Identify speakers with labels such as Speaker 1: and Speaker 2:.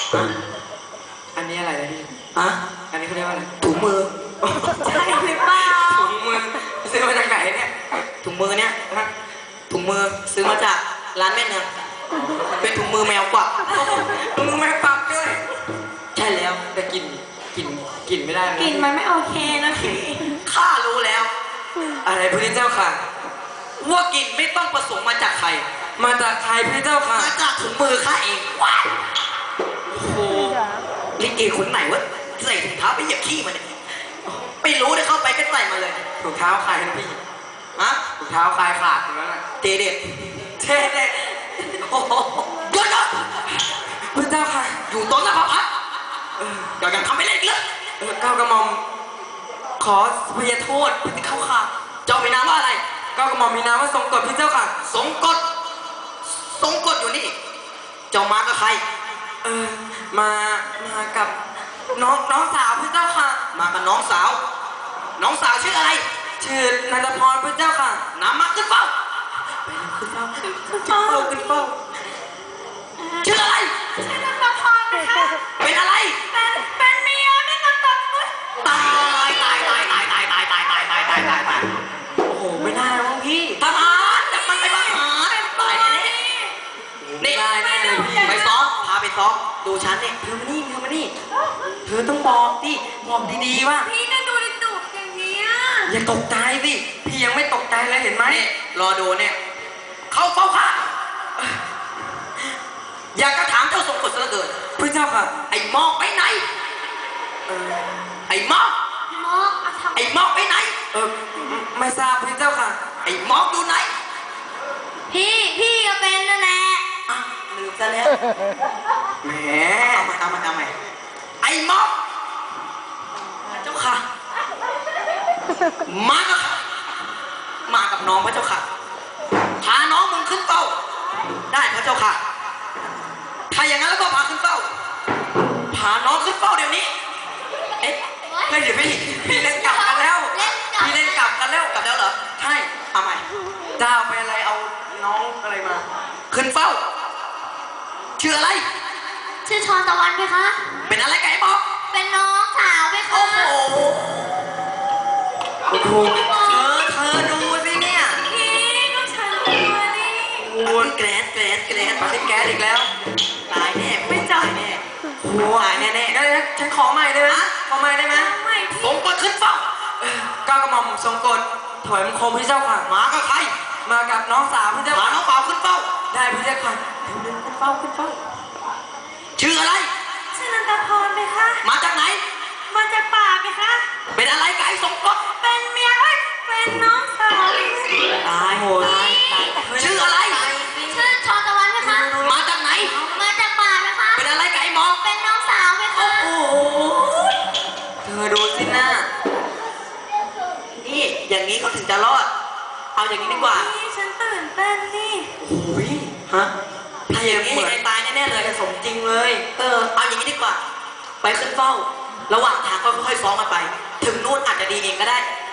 Speaker 1: อันนี้อะไรนะพี่
Speaker 2: ฮะ
Speaker 1: อันนี้เขาเรียกว่าอะไร
Speaker 2: ถุงมือ
Speaker 3: ใช่หรือเปล่า
Speaker 1: ถุงมือซื้อมาจากไหนเนี่ย
Speaker 2: ถุงมือเนี่ย
Speaker 1: ฮะ
Speaker 2: ถุงมือซื้อมาจากร้านแม่เนืองเป็นถุงมือแมวกวัก
Speaker 1: ถุงมือแม่ปักด้วย
Speaker 2: ใช่แล้ว
Speaker 1: แต่กลิ่นไม่ได้
Speaker 3: กลิ่นมันไม่โอเคนะพี่
Speaker 2: ข้ารู้แล้ว
Speaker 1: อะไรพระเจ้าค่ะ
Speaker 2: ว่ากลิ่นไม่ต้องประสงค์มาจากใคร
Speaker 1: มาจากใครพระเจ้าค่ะ
Speaker 2: มาจากถุงมือข้าเองว้ายโอ้โหลิเกคนไหนวะใส่ถุงเท้าไปเหยียบขี้มันเนี่ยไม่รู้ได้เข้าไปก็ใส่มาเลย
Speaker 1: ถุงเท้าใครนะพี่
Speaker 2: ฮะ
Speaker 1: ถุงเท้าใครขาดอยู่แล้วน่ะ
Speaker 2: เจเด็ด
Speaker 1: เท่เด็ด
Speaker 2: โอ้โหหยุดก่อน
Speaker 1: พระเจ้าค่ะ
Speaker 2: อยู่ตรงหน้าพระพักตร์เดี๋ยวยังทำไม่เล่นอีกเลย
Speaker 1: ก้าวกระหม่อมขอพยโทษพระเจ้าค่ะ
Speaker 2: เจ้ามีนามว่าอะไร
Speaker 1: ก้าวกระหม่อมมีนามว่าทรงกฎพระเจ้าค่ะ
Speaker 2: สงกฎสงกฎอยู่นี่ เจ้ามากับใคร
Speaker 1: มากับน้องสาวพระเจ้าค่ะ
Speaker 2: มากับน้องสาว น้องสาวชื่ออะไร
Speaker 1: ชื่อนันทพรพระเจ้าค่ะ
Speaker 2: นำมาขึ้นเฝ้า
Speaker 1: ขึ้นเฝ้าขึ้นเฝ้าขึ้นเฝ้า
Speaker 2: ชื่ออะไร
Speaker 3: ชื่อนันทพรนะคะ
Speaker 2: เป็นอะไร
Speaker 3: เป็นเมียไม่นันทพร
Speaker 2: ตายตายตายตายตายตายตายตายตายตายตายตาย
Speaker 1: โอ้โหไม่ได้แล้วมั้งพี่
Speaker 2: ทหารจับมันไปทหารตายแน่ๆนี่
Speaker 1: ได้แน่เลยพี่
Speaker 2: ไปซ้อมพาไปซ้อมดูฉันนี่
Speaker 1: เธอมานี่เธอมานี่เธอต้องบอกดิบอกดีๆว่า
Speaker 3: พี่น่าดูดุอย่างเนี้ย
Speaker 1: อย่าตกใจสิพี่ยังไม่ตกใจเลยเห็นไหม
Speaker 2: นี่รอดูเนี่ยเข้าเฝ้าข้าอยากจะถามเจ้าทรงกฎซะเหลือเกิน
Speaker 1: พระเจ้าค่ะ
Speaker 2: ไอ้หมอกไปไหน
Speaker 1: เออ
Speaker 2: ไอ้หมอก
Speaker 3: มอกเอาทำ
Speaker 2: ไอ้หมอกไปไหน
Speaker 1: ไม่ทราบพระเจ้าค่ะ
Speaker 2: ไอ้หมอกอยู่ไหน
Speaker 3: พี่ก็เป็นนั่นแหละ
Speaker 2: อ่ะลืมซะแล้ว
Speaker 1: แหม
Speaker 2: เอาใหม่ไอ้หมอกเจ้าค่ะ มากับมากับน้องพระเจ้าค่ะพาน้องมึงขึ้นเฝ้า ได้พระเจ้าค่ะ ถ้าอย่างนั้นแล้วก็พาขึ้นเฝ้า พาน้องขึ้นเฝ้าเดี๋ยวนี้ เอ๊ะ
Speaker 1: เฮ้ยเดี๋ยวพี่เล่นกลับกันแล้ว พี่เล่นกลับกันแล้ว
Speaker 2: กลับแล้วเหรอ
Speaker 1: ใช่
Speaker 2: เอาใหม่
Speaker 1: เจ้าไปอะไรเอาน้องอะไรมา
Speaker 2: ขึ้นเฝ้า ชื่ออะไร
Speaker 3: ชื่อชอนตะวันไหมคะ
Speaker 2: เป็นอะไรกับไอ้บอก
Speaker 3: เป็นน้องสาวไหมคะ
Speaker 2: โอ้โห
Speaker 1: โอ้โห
Speaker 2: เธอดูสิเนี่ย
Speaker 3: พี่ก็ฉันตัวนี่
Speaker 2: โอ้ยแกรน
Speaker 1: ปาติแก๊สอีกแล้ว
Speaker 2: ตายแน่ไม่ตายแน่
Speaker 1: โอ้โหหายแน่ๆได้ฉันขอใหม่ได้ไหมขอใหม่ได้ไหม
Speaker 3: ไม่
Speaker 2: ส
Speaker 3: พี่
Speaker 2: มกดขึ้นเฝ้า
Speaker 1: ก้าวกระหม่อมทรงกฎถอยมังคมพระเจ้าค่ะ
Speaker 2: มากับใคร
Speaker 1: มากับน้องสาวพระเจ้า
Speaker 2: มา
Speaker 1: ค่ะ
Speaker 2: น้องเปล่าขึ้นเฝ้า
Speaker 1: ได้พระเจ้าค่ะเดินขึ้นเฝ้าขึ้นเฝ้า
Speaker 2: ชื่ออะไร
Speaker 3: ชื่อนันทพรไหมคะ
Speaker 2: มาจากไหน
Speaker 3: มาจากป่าไหมคะ
Speaker 2: เป็นอะไรกับไอ้สมกด
Speaker 3: เป็นเมียเอ้ยเป็นน้องสาว
Speaker 2: ตาย
Speaker 1: โอ้โห
Speaker 2: ชื่ออะไร
Speaker 3: ชื่อชอนตะวันไหมคะ
Speaker 2: มาจากไหน
Speaker 3: มาจากป่าไหมคะ
Speaker 2: เป็นอะไรกับไอ้หมอก
Speaker 3: เป็นน้องสาวไหมคะ
Speaker 2: โอ้โห
Speaker 1: เธอดูสิหน้า
Speaker 2: นี่อย่างนี้เขาถึงจะรอด เอาอย่างนี้ดีกว่า
Speaker 3: พี่ฉันตื่นเต้นนี่
Speaker 1: โอ้ยฮะ
Speaker 2: ถ้าอย่างนี้ยังไงตายแน่ๆเลย
Speaker 1: สมจริงเลย
Speaker 2: เอาอย่างนี้ดีกว่า ไปขึ้นเฝ้า ระหว่างทางก็ค่อยๆซ้อมกันไป ถึงนู่นอาจจะดีเองก็ได้